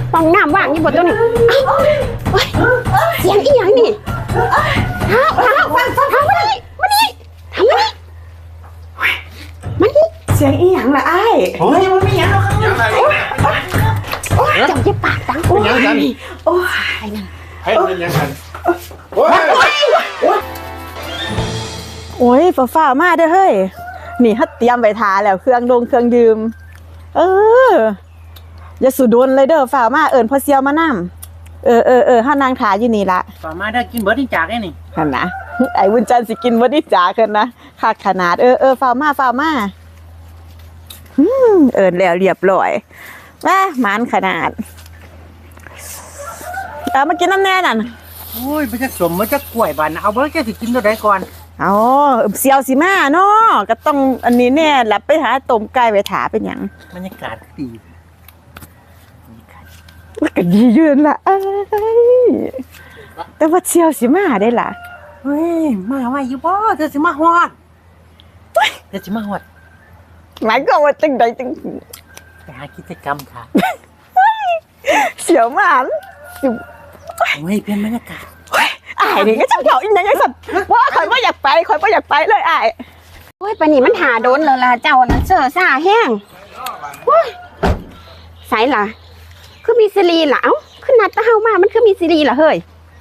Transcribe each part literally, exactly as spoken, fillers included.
ฟองน้ำว่างอยู่บนตัวนี้เสียงอีหยังนี่เท้าเท้าเท้ามาดิมาดิทำมาดิมาดิเสียงอีหยังล่ะไอ้โอ้ยมันไม่หยังหรอกจับยี่ปากดังโอ้ยโอ้ยนั่นให้เป็นยังไงโอ้ยโอ้ยฝ่าๆมาเด้อเฮ้ยนี่ฮัดเตรียมไว้ทาแล้วเครื่องดงเครื่องดื่มเอออย่าสุดนเลยเด้อฝ่ามาเอิญพอเซียวมานั่มเออเออเออห้านางขาอยู่นี่ละฝ่ามาได้กินเบิร์ดจากได้นี่ขันนะไอ้วุ้นจันสิกินวันนี้จ๋ากันนะขาดขนาดเออเออฝ่ามาฝ่ามาอืมเอิญแล้วเรียบร้อยว่ามันขนาดเอามากินน้ำแน่นั่นโอ้ยมันจะสมมันจะกล้วยบานเอาเบิร์ดจะสิกินตัวใดก่อนอ๋อเซียวสิมาเนาะก็ต้องอันนี้แน่หลับไปหาต้มไก่ไปถาเป็นอย่างบรรยากาศดีมันก็ดียืนละแต่ว่าเซียวสิมาได้ล่ะเฮ้ยมาไว้อยู่บ่เธอสิมาฮอดเธอสิมาฮอดหมายก็ว่าจังใดจังไปหากิจกรรมค่ะเสียวมากเฮ้ยเปลี่ยนบรรยากาศไอ้นี่ก็ช่างเขาอีกอย่างไงสัตว์ว่าคอยว่าอยากไปคอยว่าอยากไปเลยไอ้โอ้ยปนี่มันหาโดนเลยล่ะเจ้านั่นเสือซ่าแห้งใส่ล่ะคือมีซีรีส์ล่ะเอ้าขึ้นนัดตะเฮามามันคือมีซีรีส์ล่ะเฮ้ย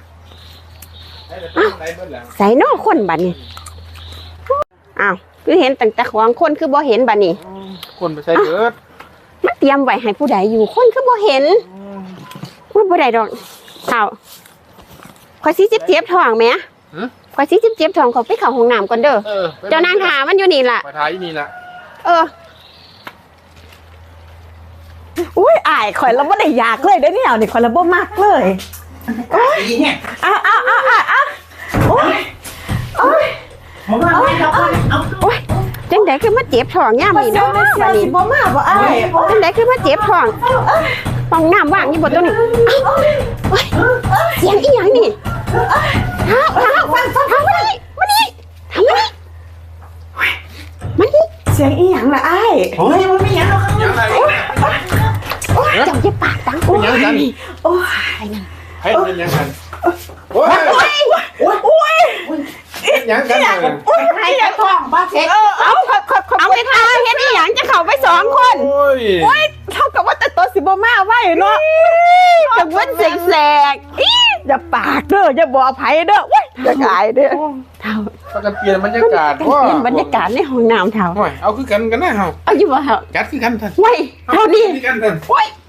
ใส่นอกคนบัดนี้อ้าวคือเห็นตั้งแต่ของคนคือบ่เห็นบัดนี้คนไปใส่เบิร์ดมันเตรียมไว้ให้ผู้ใดอยู่คนคือบ่เห็นว่าบ่ได้ดอกเท่าคอยซีจิบเจี๊ยบทองไหมคอยซีจิบเจี๊ยบทองเขาไปเข้าห้องน้ำก่อนเด้อเจ้านางถามันอยู่นี่ล่ะไปถ่ายนี่ล่ะเอออุ้ยอายข่อยเราไม่ได้อยากเลยได้เนี่ยนี่ข่อยเราบ่มากเลยโอ้ยเนี่ยอ้าวอ้าวอ้าวอ้าวโอ้ยโอ้ยผมว่าไม่เราเอาโอ้ยจังไดคือมาเจ็บท้องย่ามนี่เนาะบัดนี้บ่มาบ่อ้ายจังไดคือมาเจ็บท้องฟองน้ำว่างอยู่บนตัวนี้เสียงอีหยังนี่เท้าเท้าเท้ามาดิมาดิทำมาดิมาดิเสียงอีหยังล่ะไอ้โอ้ยมันไม่หยังหรอกจับยี่ปากดังโอ้ยโอ้ยนั่นให้เป็นยังไงโอ้ยโอ้ยโอ้ยยังกันเลยโอ้ยให้ยังท้องบ้าเซ็กเอาเอาไปทาเฮ็ดอีหยังจะเข้าไปสองคนโอ้ยโอ้ยเท่ากับว่าแต่ตัวสิบ่มาไว้เนาะจะเว้นแสกอย่าปากเด้ออย่าบอกไผเด้อว้ยอย่ากายเด้อเท่าก็เปลี่ยนบรรยากาศเปลี่ยนบรรยากาศในห้องน้ำเท่าเอาคือกันกันนะเฮาเอาอยู่บ่เท่าจัดคือกันท่านไว้เท่านี้กันท่านโอ้ย